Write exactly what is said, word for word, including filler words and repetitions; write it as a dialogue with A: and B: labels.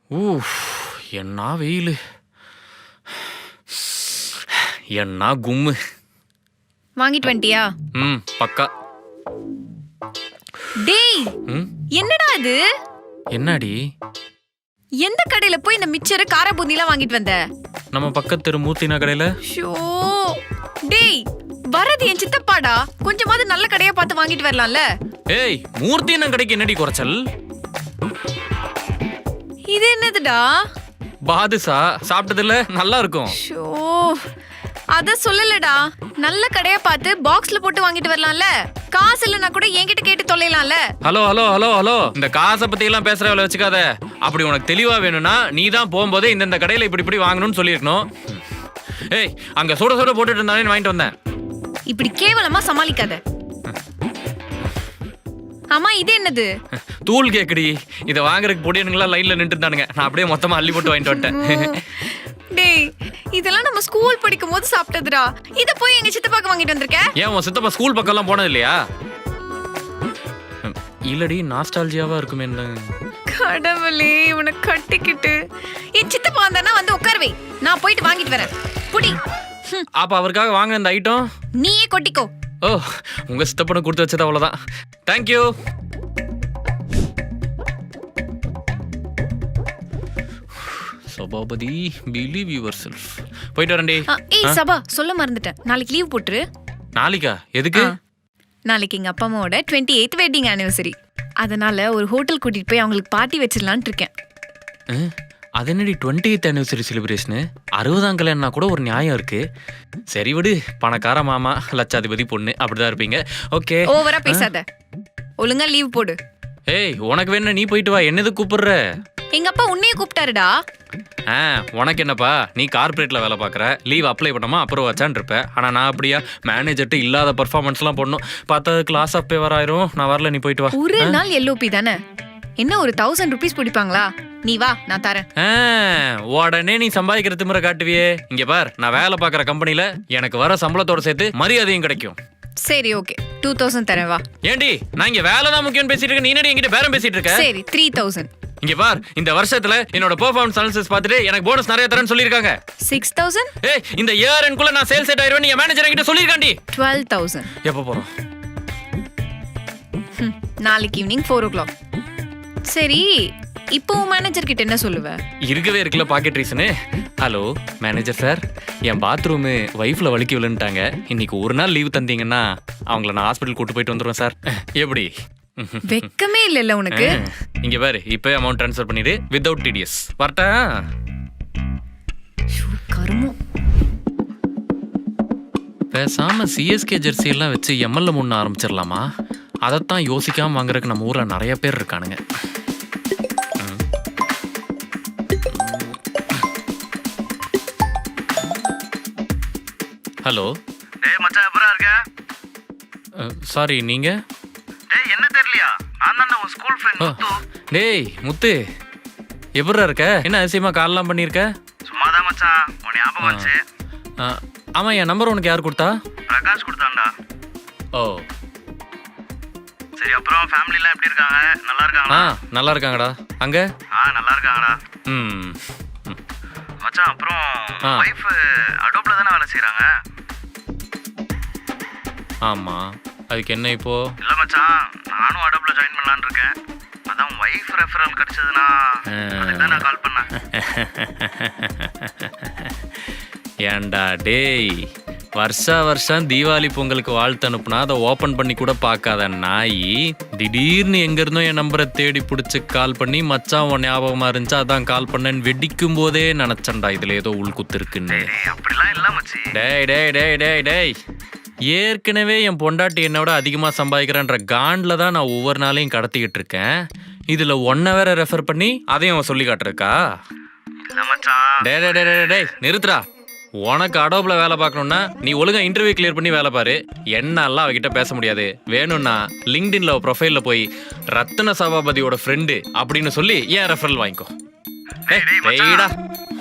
A: ஊஃப்! என்ன வெயிலு! என்ன கும்மு!
B: வாங்கிட்டு வந்துட்டியா?
A: ம் பக்கா.
B: டேய்,
A: ம்
B: என்னடா இது?
A: என்னடி?
B: எந்த கடையில போய் இந்த மிச்சர் கார பூந்திலாம் வாங்கிட்டு வந்த?
A: நம்ம பக்கத்து தெரு மூர்த்தினா கடையில.
B: ஷோ! டேய், வரது என் சித்தப்பாடா. கொஞ்சமாவது நல்ல கடையா பார்த்து வாங்கிட்டு வரலாம்ல?
A: ஏய், மூர்த்தினா கடைக்கு என்னடி குறைச்சல்?
B: இது என்னதுடா?
A: பாதுஷா சாப்பிட்டதில்ல, நல்லா இருக்கும்.
B: ஷோ! அத சொல்லலடா. நல்ல கடையா பார்த்து பாக்ஸ்ல போட்டு வாங்கிட்டு வரலாம்ல? காசு இல்லனா கூட என்கிட்ட கேட்டு தொலைலாம்ல?
A: ஹலோ ஹலோ ஹலோ ஹலோ இந்த காசை பத்தி எல்லாம் பேசுற வேலை வச்சுக்காத. அப்படி உனக்கு தெளிவா வேணும்னா நீ தான் போகும்போதே இந்த கடையில இப்படி இப்படி வாங்கணும்னு சொல்லியிருக்கணும். ஏய், அங்க சுட சுட போட்டுட்டு இருந்தானே வாங்கிட்டு வந்தேன்.
B: இப்படி கேவலமா சமாளிக்காத. அம்மா, இது என்னது?
A: தூள் கேக்குடி. இதை வாங்குறதுக்கு பொடியனுங்களா லைன்ல நின்று இருந்தானுங்க. நான் அப்படியே மொத்தமா அள்ளி போட்டு வாங்கிட்டு வந்துட்டேன்.
B: டேய், இதெல்லாம் நம்ம ஸ்கூல் படிக்கும் போது சாப்பிட்டதுடா. இத போய் எங்க சித்தப்பாக்கு வாங்கிட்டு வந்திருக்க?
A: ஏன் உன் சித்தப்பா ஸ்கூல் பக்கம் எல்லாம் போனது இல்லையா? இல்லடி, நாஸ்டாலஜியாவா இருக்குமே.
B: கடவுளே, இவனை கட்டிக்கிட்டு என் சித்தப்பா வந்தானா வந்து உட்காருவே. நான் போயிட்டு வாங்கிட்டு வரேன். புடி.
A: அப்ப அவருக்காக வாங்க இந்த ஐட்டம்
B: நீயே கொட்டிக்கோ.
A: ஓ, உங்க சித்தப்பனை கொடுத்து வச்சது அவ்வளவுதான். Thank you. Sabapathi, believe yourself. போயிட்டு வரேன்டி.
B: ஏய் சபா, சொல்ல மறந்துட்டேன். நாளைக்கு லீவ் போட்டுரு.
A: நாளைக்கா? எதுக்கு?
B: நாளைக்கு எங்க அப்பா அம்மாவோட டுவெண்ட்டி எய்த் வெட்டிங் ஆனிவர்சரி. அதனால ஒரு ஹோட்டல் கூட்டிட்டு போய் அவங்களுக்கு பார்ட்டி வச்சிடலான்னு இருக்கேன்.
A: அது என்னடி டுவெண்ட்டி எய்த் ஆனிவர்சரி செலிப்ரேஷனு? அறுபதாம் கல்யாணம்னா கூட ஒரு நியாயம் இருக்கு. சரி விடு, பணக்கார மாமா, லட்சாதிபதி பொண்ணு, அப்படிதான் இருப்பீங்க. ஓகே,
B: ஓவரா பேசாத. ஒழுங்கா லீவ் போடு.
A: ஏய், உனக்கு வேணா நீ போயிட்டு வா. என்னது கூப்பிடுற?
B: எங்க அப்பா உன்னையே கூப்பிட்டாருடா.
A: ஆ, உனக்கு என்னப்பா, நீ கார்பரேட்ல வேலை பார்க்குற. லீவ் அப்ளை பண்ணாமா அப்புறம் வச்சான் இருப்ப. ஆனா நான் அப்படியா? மேனேஜர்ட்டு இல்லாத பர்ஃபார்மன்ஸ்லாம் பண்ணணும். பார்த்தா கிளாஸ் அப்பே வராயிரும். நான் வரல, நீ போயிட்டு வா.
B: ஒரு நாள் எல்ஓபி தானே, என்ன ஒரு தௌசண்ட் ருபீஸ் பிடிப்பாங்களா? நீ வா, நான் தரேன்.
A: உடனே நீ சம்பாதிக்கிற திமிர காட்டுவியே. இங்க பார், நான் வேலை பார்க்குற கம்பெனில எனக்கு வர சம்பளத்தோட சேர்த்து மரியாதையும் கிடைக்கும்.
B: சரி, ஓகே, டூ தௌசண்ட் தரேன், வா.
A: ஏண்டி, நான் இங்க வேலை தான் முக்கியம் பேசிட்டு இருக்கேன். நீ என்னடி என்கிட்ட பேரம் பேசிட்டு இருக்க?
B: சரி, த்ரீ தௌசண்ட்.
A: இங்க பார், இந்த வருஷத்துல என்னோட பெர்ஃபார்மன்ஸ் அனாலிசிஸ் பார்த்துட்டு எனக்கு போனஸ் நிறைய தரேன்னு சொல்லிருக்காங்க.
B: Six thousand.
A: ஏய், இந்த இயர் எண்ட்குள்ள நான் சேல்ஸ் செட் ஆயிருவேன். நீ மேனேஜர் என்கிட்ட சொல்லிருக்காண்டி.
B: Twelve thousand.
A: எப்போ போறோம்?
B: நாளைக்கு ஈவினிங் ஃபோர் ஓ கிளாக். சரி, இப்போ மேனேஜர் கிட்ட என்ன சொல்லுவ?
A: இருக்கவே இருக்குல்ல pocket reason. Hello manager sir, என் பாத்ரூமு வைஃப்ல வலிக்கி விழுந்துட்டாங்க. இன்னைக்கு ஒரு நாள் லீவ் தந்தீங்கன்னா அவங்கள நான் ஹாஸ்பிட்டல் கூட்டு போயிட்டு வந்துடுவேன் சார். எப்படி?
B: வெக்கமே இல்லைல்ல உனக்கு?
A: இங்க பாரு, இப்போ அமௌண்ட் ட்ரான்ஸ்ஃபர் பண்ணிடு வித்வுட் டிடிஎஸ். வரட்டா?
B: கருமம்.
A: பேசாம சிஎஸ்கே ஜெர்சி எல்லாம் வச்சு எம்எல்ஏ முன்ன ஆரம்பிச்சிடலாமா? அதைத்தான் யோசிக்காம வாங்குறதுக்கு நம்ம ஊர்ல நிறைய பேர் இருக்கானுங்க. ஹலோ.
C: டேய் மச்சான், எப்பரா இருக்க?
A: சாரி, நீங்க?
C: டேய், என்ன தெரியலையா? நான் தான் உன் ஸ்கூல் ஃப்ரெண்ட் முத்து.
A: டேய் முத்து, எப்படிடா இருக்க? என்ன அதிசயமா கால்லாம் பண்ணியிருக்க?
C: சும்மா தான் மச்சான், உன் ஞாபகம் வச்சு.
A: ஆமா, என் நம்பர் உனக்கு யார் கொடுத்தா?
C: பிரகாஷ் கொடுத்தான்டா.
A: ஓ
C: சரி, அப்புறம் ஃபேமிலிலாம் எப்படி இருக்காங்க? நல்லா இருக்காங்களா?
A: ஆ, நல்லா இருக்காங்கடா. அங்க?
C: ஆ, நல்லா இருக்காங்கடா.
A: ம்
C: மச்சான், அப்புறம் வைஃப் அடோப்ல தானே வேலை செய்றாங்க?
A: ஆமா, அதுக்கு என்ன இப்போ?
C: இல்ல மச்சான், நானும் அடோப்ல ஜாயின் பண்ணலான்னு இருக்கேன். அதான் வைஃப் ரெஃபரல் கிடைச்சதுன்னா அதுக்கு நான் கால் பண்ணேன்.
A: ஏண்டா டேய், வருஷா வருஷம் தீபாவளி பொங்கலுக்கு வாழ்த்து அனுப்புனா அதை ஓப்பன் பண்ணி கூட பார்க்காத நாய், திடீர்னு எங்க இருந்தோ என் நம்பரை தேடி பிடிச்சி கால் பண்ணி மச்சான் உன் ஞாபகமா இருந்துச்சு அதான் கால் பண்ணேன்னு வெடிக்கும் போதே நினைச்சேன்டா இதுல ஏதோ உள்குத்து இருக்குன்னு.
C: அப்படிலாம் இல்ல மச்சி.
A: டேய் டேய் டேய் டேய் டேய் ஏற்கனவே என் பொண்டாட்டி என்னோட அதிகமா சம்பாதிக்கிறேன்ற காண்டில் தான் நான் ஒவ்வொரு நாளையும் கடத்திக்கிட்டு இருக்கேன். இதுல ஒன்ன வேற ரெஃபர் பண்ணி அதையும் அவன் சொல்லி காட்டுருக்கா?
C: இல்ல மச்சான்.
A: டே டே டே டே நிறுத்துறா. உனக்கு அடோப்ல வேலை பார்க்கணும்னா நீ ஒழுங்கா இன்டர்வியூ கிளியர் பண்ணி வேலை பாரு. என்னெல்லாம் அவகிட்ட பேச முடியாது. வேணும்னா லிங்க்டின்ல ப்ரொஃபைல்ல போய் ரத்ன சபாபதியோட ஃப்ரெண்டு அப்படின்னு சொல்லி ஏன் ரெஃபரல் வாங்கிக்கோ. டேய்டா.